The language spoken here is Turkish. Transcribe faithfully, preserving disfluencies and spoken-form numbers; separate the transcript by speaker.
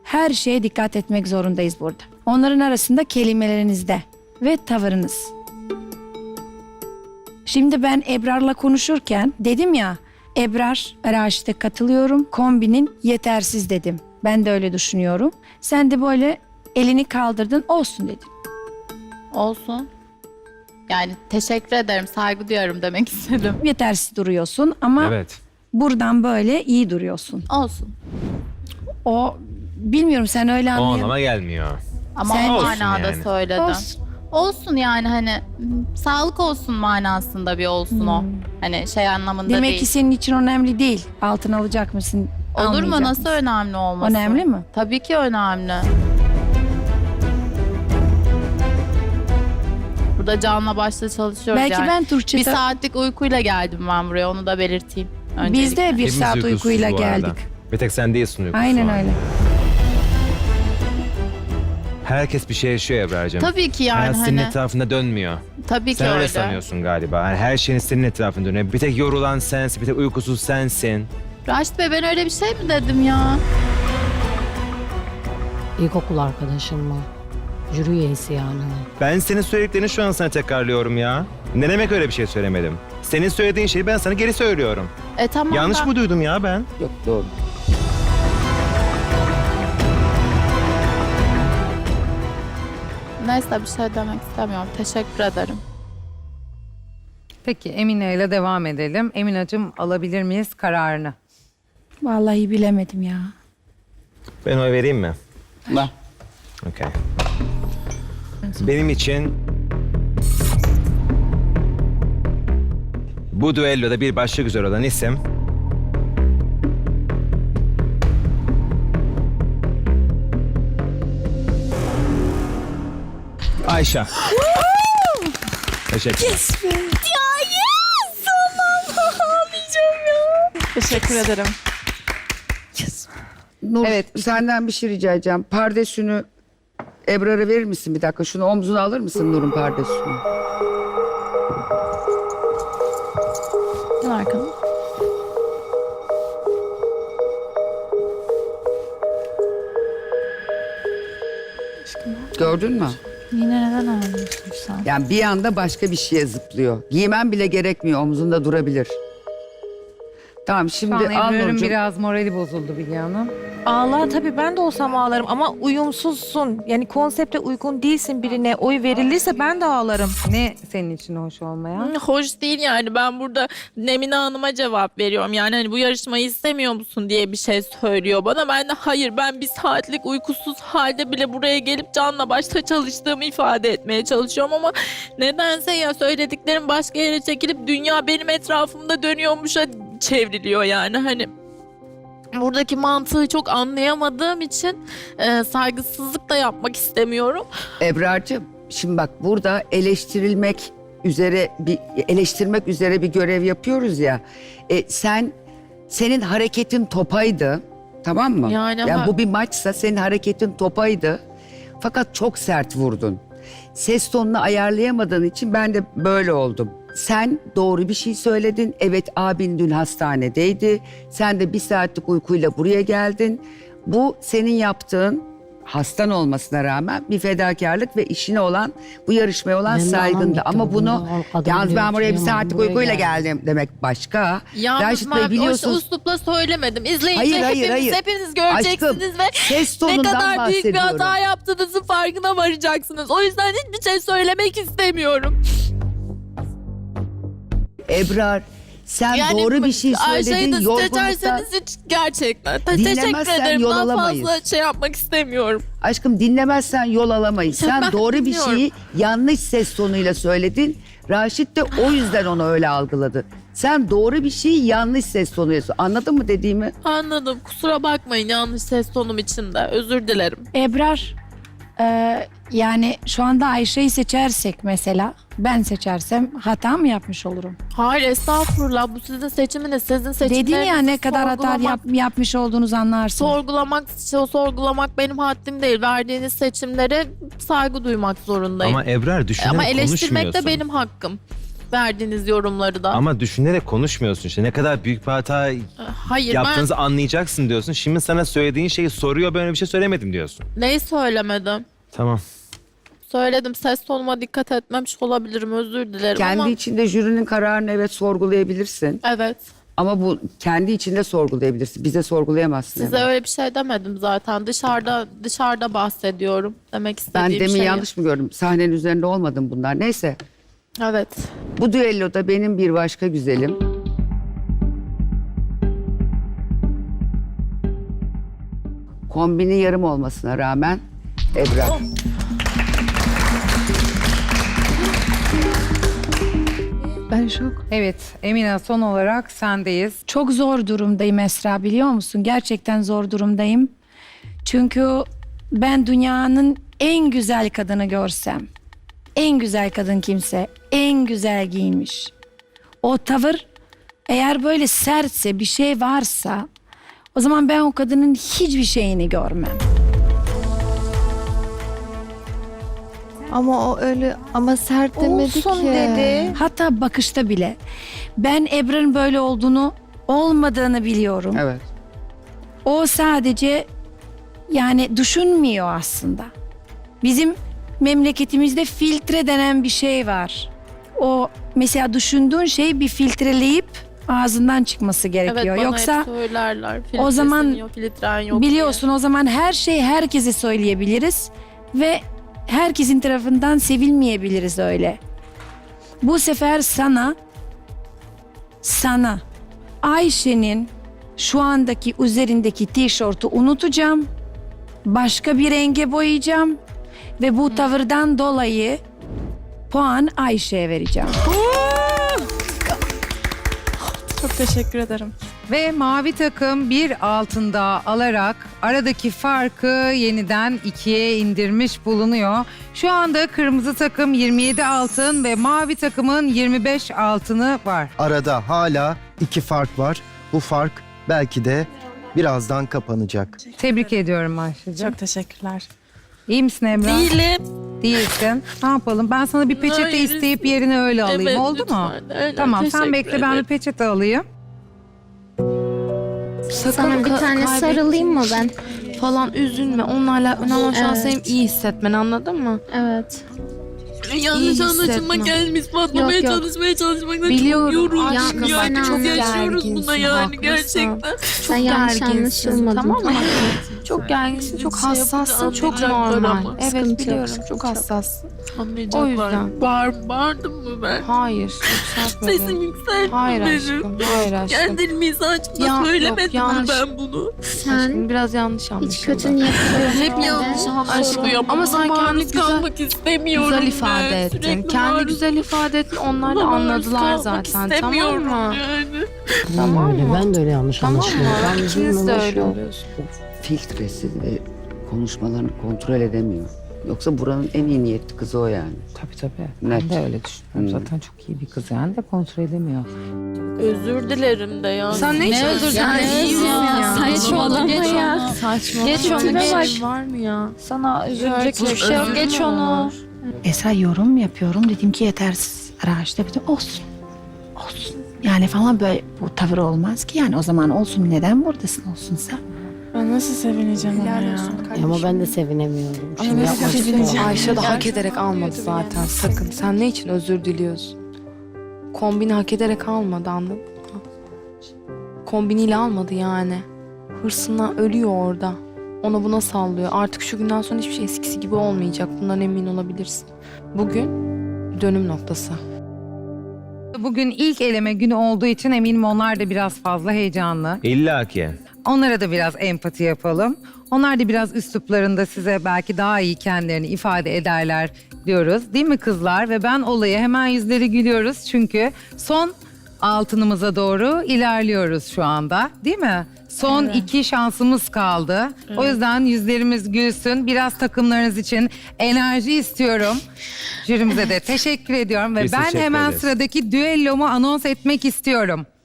Speaker 1: Her şeye dikkat etmek zorundayız burada. Onların arasında kelimelerinizde ve tavırınız. Şimdi ben Ebrar'la konuşurken dedim ya, Ebrar, Raşit'e katılıyorum, kombinin yetersiz dedim. Ben de öyle düşünüyorum. Sen de böyle elini kaldırdın, olsun dedin.
Speaker 2: Olsun. Yani teşekkür ederim, saygı duyuyorum demek istedim.
Speaker 1: Yetersiz duruyorsun ama
Speaker 3: Evet.
Speaker 1: buradan böyle iyi duruyorsun.
Speaker 2: Olsun.
Speaker 1: O, bilmiyorum sen öyle
Speaker 3: O
Speaker 1: anlayın.
Speaker 3: anlama gelmiyor.
Speaker 2: Ama
Speaker 1: Sen-
Speaker 2: o
Speaker 3: Olsun
Speaker 2: manada
Speaker 3: yani.
Speaker 2: söyledim.
Speaker 1: Olsun.
Speaker 2: Olsun yani hani m, sağlık olsun manasında bir olsun o. Hani şey anlamında
Speaker 1: Demek
Speaker 2: değil.
Speaker 1: ki senin için önemli değil. Altın alacak mısın?
Speaker 2: Olur mu?
Speaker 1: almayacak
Speaker 2: Nasıl
Speaker 1: mısın?
Speaker 2: önemli olması?
Speaker 1: Önemli mi?
Speaker 2: Tabii ki önemli. Burada canla başla çalışıyoruz
Speaker 1: Belki
Speaker 2: yani.
Speaker 1: ben Türkçe...
Speaker 2: Bir saatlik uykuyla geldim ben buraya, onu da belirteyim.
Speaker 1: Biz de bir
Speaker 3: Hepimiz
Speaker 1: saat
Speaker 3: uykusuz
Speaker 1: uykuyla
Speaker 3: bu arada.
Speaker 1: geldik.
Speaker 3: Bir tek sen değilsin uykusuz.
Speaker 1: Aynen
Speaker 3: şu an.
Speaker 1: öyle.
Speaker 3: Herkes bir şey yaşıyor Ebrar'cığım.
Speaker 2: Tabii ki yani
Speaker 3: Hayat senin
Speaker 2: hani.
Speaker 3: etrafında dönmüyor.
Speaker 2: Tabii ki
Speaker 3: Sen öyle
Speaker 2: öyle.
Speaker 3: sanıyorsun galiba. Yani her şeyin senin etrafında dönüyor. Bir tek yorulan sensin, bir tek uykusuz sensin.
Speaker 2: Raşit Bey, ben öyle bir şey mi dedim ya?
Speaker 4: İlkokul arkadaşım mı? Jüri üyesi yani.
Speaker 3: Ben senin söylediklerini şu an sana tekrarlıyorum ya. Ne demek öyle bir şey söylemedim? Senin söylediğin şeyi ben sana geri söylüyorum.
Speaker 2: E tamam
Speaker 3: Yanlış
Speaker 2: da-
Speaker 3: mı duydum ya ben?
Speaker 5: Yok doğru.
Speaker 2: Neyse, bir şey demek istemiyorum. Teşekkür ederim.
Speaker 6: Peki Emine ile devam edelim. Eminacığım, alabilir miyiz kararını?
Speaker 1: Vallahi bilemedim ya.
Speaker 3: Ben oy vereyim mi?
Speaker 5: Ver.
Speaker 3: Okey. Benim için bu düelloda bir başka güzel olan isim Ayşe. Teşekkür ederim.
Speaker 2: Teşekkür ederim.
Speaker 5: Nur,
Speaker 6: Evet.
Speaker 5: senden bir şey rica edeceğim. Pardesünü Ebrar'a verir misin bir dakika? Şunu omzuna alır mısın Nur'un pardesünü?
Speaker 2: Gel arkana.
Speaker 5: Gördün mü?
Speaker 2: Yine neden ağlıyorsun sen?
Speaker 5: Yani bir anda başka bir şeye zıplıyor. Giymen bile gerekmiyor. Omzunda durabilir. Tamam
Speaker 6: Şu
Speaker 5: şimdi
Speaker 6: an
Speaker 5: al
Speaker 6: Ebru'nun
Speaker 5: Nurcuğum.
Speaker 6: biraz morali bozuldu Bilge Hanım.
Speaker 7: Ağlar tabii, ben de olsam ağlarım ama uyumsuzsun. Yani konsepte uygun değilsin, birine oy verilirse ben de ağlarım.
Speaker 6: Ne senin için hoş olmayan?
Speaker 8: Hoş değil yani, ben burada Nemine Hanım'a cevap veriyorum. Yani hani bu yarışmayı istemiyor musun diye bir şey söylüyor bana. Ben de hayır, ben bir saatlik uykusuz halde bile buraya gelip canla başla çalıştığımı ifade etmeye çalışıyorum ama nedense ya söylediklerim başka yere çekilip dünya benim etrafımda dönüyormuşa çevriliyor yani hani. Buradaki mantığı çok anlayamadığım için e, saygısızlık da yapmak istemiyorum.
Speaker 5: Ebrar'cığım şimdi bak burada eleştirilmek üzere bir eleştirmek üzere bir görev yapıyoruz ya. E, sen senin hareketin topaydı. Tamam mı?
Speaker 8: Yani ha-
Speaker 5: bu bir maçsa senin hareketin topaydı. Fakat çok sert vurdun. Ses tonunu ayarlayamadığın için ben de böyle oldum. Sen doğru bir şey söyledin. Evet, abin dün hastanedeydi. Sen de bir saatlik uykuyla buraya geldin. Bu senin yaptığın, hastan olmasına rağmen bir fedakarlık ve işine olan, bu yarışmaya olan
Speaker 4: Ben de
Speaker 5: saygındı.
Speaker 4: anam
Speaker 5: Ama
Speaker 4: gittim,
Speaker 5: bunu
Speaker 4: bunu kadın
Speaker 5: yalnız ben
Speaker 4: diyor,
Speaker 5: buraya bir
Speaker 4: kıyamam,
Speaker 5: saatlik
Speaker 4: buraya
Speaker 5: uykuyla
Speaker 4: geldim.
Speaker 5: geldim demek başka.
Speaker 8: Yalnız
Speaker 5: Raşit Bey
Speaker 8: ben o
Speaker 5: biliyorsunuz.
Speaker 8: uslupla söylemedim. İzleyince
Speaker 5: Hayır, hayır,
Speaker 8: hepiniz,
Speaker 5: hayır.
Speaker 8: hepiniz göreceksiniz
Speaker 5: Aşkım,
Speaker 8: ve
Speaker 5: ses
Speaker 8: ne
Speaker 5: tonundan
Speaker 8: kadar büyük bir
Speaker 5: bahsediyorum.
Speaker 8: hata yaptığınızın farkına varacaksınız. O yüzden hiçbir şey söylemek istemiyorum.
Speaker 5: Ebrar, sen doğru bir şey söyledin.
Speaker 8: Ayşe'yi de
Speaker 5: Yorgunlukta...
Speaker 8: seçerseniz hiç gerçekten. Te-
Speaker 5: Dinlemezsen
Speaker 8: teşekkür ederim.
Speaker 5: yol
Speaker 8: Daha
Speaker 5: alamayız.
Speaker 8: fazla şey yapmak istemiyorum.
Speaker 5: Aşkım dinlemezsen yol alamayız. Sen
Speaker 8: Ben
Speaker 5: doğru bir
Speaker 8: dinliyorum.
Speaker 5: şeyi yanlış ses tonuyla söyledin. Raşit de o yüzden onu öyle algıladı. Sen doğru bir şeyi yanlış ses tonuyla söyledin. Anladın mı dediğimi?
Speaker 8: Anladım. Kusura bakmayın yanlış ses tonum için de. Özür dilerim.
Speaker 1: Ebrar, e, yani şu anda Ayşe'yi seçersek mesela, ben seçersem hata mı yapmış olurum?
Speaker 8: Hayır, estağfurullah. Bu sizin seçiminiz. Sizin seçimleriniz.
Speaker 1: Dedin ya ne kadar hata
Speaker 8: sorgulamak-
Speaker 1: yap, yapmış olduğunuzu anlarsın.
Speaker 8: Sorgulamak, sorgulamak benim haddim değil. Verdiğiniz seçimlere saygı duymak zorundayım.
Speaker 3: Ama Ebrar düşünerek
Speaker 8: Ama eleştirmek de
Speaker 3: konuşmuyorsun.
Speaker 8: benim hakkım. verdiğiniz yorumları da.
Speaker 3: Ama düşünerek konuşmuyorsun işte. Ne kadar büyük bir hata
Speaker 8: Hayır
Speaker 3: yaptığınızı anlayacaksın diyorsun. Şimdi sana söylediğin şeyi soruyor, böyle bir şey söylemedim diyorsun.
Speaker 8: ben neyi söylemedim?
Speaker 3: Tamam.
Speaker 8: Söyledim, ses tonuma dikkat etmemiş olabilirim, özür dilerim
Speaker 5: Kendi
Speaker 8: ama...
Speaker 5: içinde jürinin kararını evet sorgulayabilirsin.
Speaker 8: Evet.
Speaker 5: Ama bu kendi içinde sorgulayabilirsin. Bize sorgulayamazsın.
Speaker 8: Size
Speaker 5: hemen.
Speaker 8: öyle bir şey demedim zaten. Dışarıda dışarıda bahsediyorum. Demek
Speaker 5: Ben
Speaker 8: istediğim
Speaker 5: demin
Speaker 8: şeyi.
Speaker 5: yanlış mı gördüm? Sahnenin üzerinde olmadım bunlar. Neyse.
Speaker 8: Evet.
Speaker 5: Bu düelloda benim bir başka güzelim. Kombini yarım olmasına rağmen Ebrar.
Speaker 1: Ben şok.
Speaker 6: Evet Emine, son olarak sendeyiz.
Speaker 1: Çok zor durumdayım Esra, biliyor musun? Gerçekten zor durumdayım. Çünkü ben dünyanın en güzel kadını görsem, en güzel kadın kimse, en güzel giyinmiş. O tavır eğer böyle sertse, bir şey varsa, o zaman ben o kadının hiçbir şeyini görmem.
Speaker 9: Ama o öyle ama sert demedi
Speaker 7: Olsun
Speaker 9: ki.
Speaker 7: dedi.
Speaker 1: Hatta bakışta bile. Ben Ebrar'ın böyle olduğunu, olmadığını biliyorum.
Speaker 5: Evet.
Speaker 1: O sadece yani düşünmüyor aslında. Bizim memleketimizde filtre denen bir şey var. O mesela düşündüğün şey bir filtreleyip ağzından çıkması
Speaker 8: Evet,
Speaker 1: gerekiyor.
Speaker 8: bana
Speaker 1: Yoksa
Speaker 8: hep söylerler.
Speaker 1: o
Speaker 8: Filtresin
Speaker 1: zaman
Speaker 8: yok, filtren yok
Speaker 1: biliyorsun, o zaman her şeyi herkese söyleyebiliriz ve herkesin tarafından sevilmeyebiliriz öyle. Bu sefer sana sana Ayşe'nin şu andaki üzerindeki tişörtü unutacağım. Başka bir renge boyayacağım ve bu tavırdan dolayı puan Ayşe'ye vereceğim.
Speaker 8: Çok teşekkür ederim.
Speaker 6: Ve mavi takım bir altın daha alarak aradaki farkı yeniden ikiye indirmiş bulunuyor. Şu anda kırmızı takım yirmi yedi altın ve mavi takımın yirmi beş altını var.
Speaker 10: Arada hala iki fark var. Bu fark belki de birazdan kapanacak.
Speaker 6: Tebrik ediyorum Ayşe'cim.
Speaker 8: Çok teşekkürler.
Speaker 6: İyi misin Emrah?
Speaker 8: Değilim.
Speaker 6: Değilsin. Ne yapalım? Ben sana bir peçete
Speaker 8: Hayır,
Speaker 6: isteyip yerine öyle alayım.
Speaker 8: Evet,
Speaker 6: Oldu mu?
Speaker 8: lütfen. Öyle,
Speaker 6: Tamam, sen
Speaker 8: teşekkür
Speaker 6: bekle, ben bir
Speaker 8: ederim.
Speaker 6: peçete alayım.
Speaker 9: Sana bir tane sarılayım mı ben?
Speaker 11: Falan üzülme. Onlarla önemli şu an
Speaker 9: Evet.
Speaker 11: senin iyi hissetmen, anladın mı?
Speaker 9: Evet.
Speaker 8: Yanlış
Speaker 11: İyi
Speaker 8: anlaşılma
Speaker 11: hissetme.
Speaker 8: gelmiş. Patlamaya
Speaker 9: Yok, yok.
Speaker 8: çalışmaya çalışmaktan
Speaker 11: Biliyorum,
Speaker 8: çok yoruldum.
Speaker 11: aşkım,
Speaker 8: Yani
Speaker 9: sen
Speaker 8: çok
Speaker 9: anla-
Speaker 8: yaşıyoruz
Speaker 11: gerginsin,
Speaker 8: buna yani
Speaker 11: haklısın.
Speaker 8: gerçekten.
Speaker 9: Sen yanlış
Speaker 11: gerginsin,
Speaker 9: anlaşılmadın.
Speaker 11: tamam mı? Çok gerginsin, çok
Speaker 8: Şey
Speaker 11: hassassın,
Speaker 8: yapınca
Speaker 11: çok
Speaker 8: anlayacaklar
Speaker 11: normal.
Speaker 8: ama.
Speaker 11: Evet
Speaker 9: Sıkıntı yok,
Speaker 11: biliyorum,
Speaker 9: sıkıntı
Speaker 11: çok
Speaker 9: yok.
Speaker 11: hassassın.
Speaker 8: Anlayacaklar.
Speaker 11: O yüzden.
Speaker 8: Bağır, bağırdım mı ben?
Speaker 11: Hayır, yükseltmedim.
Speaker 8: Sesim yükselttim
Speaker 11: Hayır
Speaker 8: benim.
Speaker 11: aşkım, hayır aşkım.
Speaker 8: Kendi mizacımda
Speaker 11: Ya,
Speaker 8: söylemedim
Speaker 11: yok,
Speaker 8: mi
Speaker 11: yanlış.
Speaker 8: ben bunu?
Speaker 9: Sen
Speaker 11: Aşkım biraz yanlış
Speaker 9: hiç
Speaker 11: anlaşıldı.
Speaker 9: kötü niyetli
Speaker 8: Hep yanlış anlaşılıyor.
Speaker 11: Ama sen kendi
Speaker 8: maruz
Speaker 11: güzel-
Speaker 8: kalmak istemiyorum
Speaker 11: Güzel
Speaker 8: ben.
Speaker 11: ifade ettin.
Speaker 8: Sürekli
Speaker 11: Kendi
Speaker 8: maruz-
Speaker 11: güzel ifade ettin. Onlar da
Speaker 8: Buna maruz
Speaker 11: anladılar
Speaker 8: kalmak
Speaker 11: zaten. Tamam
Speaker 8: istemiyorum
Speaker 11: mı?
Speaker 8: Yani.
Speaker 11: Tamam
Speaker 4: öyle.
Speaker 11: mı?
Speaker 4: Ben de öyle yanlış
Speaker 11: Tamam mı?
Speaker 4: anlaşılıyorum. Ben
Speaker 11: İkiniz de
Speaker 4: üzülmem,
Speaker 11: öyle
Speaker 4: boş ver.
Speaker 11: oluyorsunuz.
Speaker 5: Filtresiz ve konuşmalarını kontrol edemiyor. Yoksa buranın en iyi niyetli kızı o yani.
Speaker 6: Tabii tabii.
Speaker 5: Net.
Speaker 6: Ben de öyle düşünüyorum.
Speaker 5: Hmm.
Speaker 6: Zaten çok iyi bir kız yani de kontrol edemiyor.
Speaker 8: Özür dilerim de ya.
Speaker 11: Sen ne için özür dilerim ya?
Speaker 9: Saçmalama ya.
Speaker 11: Saçma.
Speaker 9: Geç onu,
Speaker 11: Tipine
Speaker 9: geç.
Speaker 11: bak. Var mı ya?
Speaker 9: Sana üzülecek
Speaker 11: Gerçekten
Speaker 9: bir şey yok.
Speaker 11: özür
Speaker 9: Geç
Speaker 11: mü
Speaker 9: onu.
Speaker 11: olur?
Speaker 1: Esra yorum yapıyorum. Dedim ki yetersiz araçta. Dedim olsun. Olsun. Yani falan böyle bu tavır olmaz ki. Yani o zaman olsun. Neden buradasın olsunsa?
Speaker 11: Ben nasıl sevineceğim ona ya?
Speaker 4: Ama ben de sevinemiyorum.
Speaker 11: Ama
Speaker 4: Şimdi
Speaker 11: nasıl
Speaker 4: yapmak
Speaker 11: sevineceğim?
Speaker 4: istiyorum.
Speaker 11: Ayşe de hak ederek almadı zaten, sakın. Sen ne için özür diliyorsun? Kombini hak ederek almadı, anladın mı? Kombiniyle almadı yani. Hırsından ölüyor orada. Ona buna sallıyor. Artık şu günden sonra hiçbir şey eskisi gibi olmayacak. Bundan emin olabilirsin. Bugün dönüm noktası.
Speaker 6: Bugün ilk eleme günü olduğu için eminim onlar da biraz fazla heyecanlı.
Speaker 3: İlla ki.
Speaker 6: Onlara da biraz empati yapalım. Onlar da biraz üsluplarında size belki daha iyi kendilerini ifade ederler diyoruz. Değil mi kızlar? Ve ben olaya hemen yüzleri gülüyoruz. Çünkü son altınımıza doğru ilerliyoruz şu anda. Değil mi? Son iki şansımız kaldı. O yüzden yüzlerimiz gülsün. Biraz takımlarınız için enerji istiyorum. Jürimize de teşekkür ediyorum. Ve
Speaker 3: Biz
Speaker 6: ben
Speaker 3: teşekkür
Speaker 6: hemen
Speaker 3: ederiz.
Speaker 6: sıradaki düellomu anons etmek istiyorum.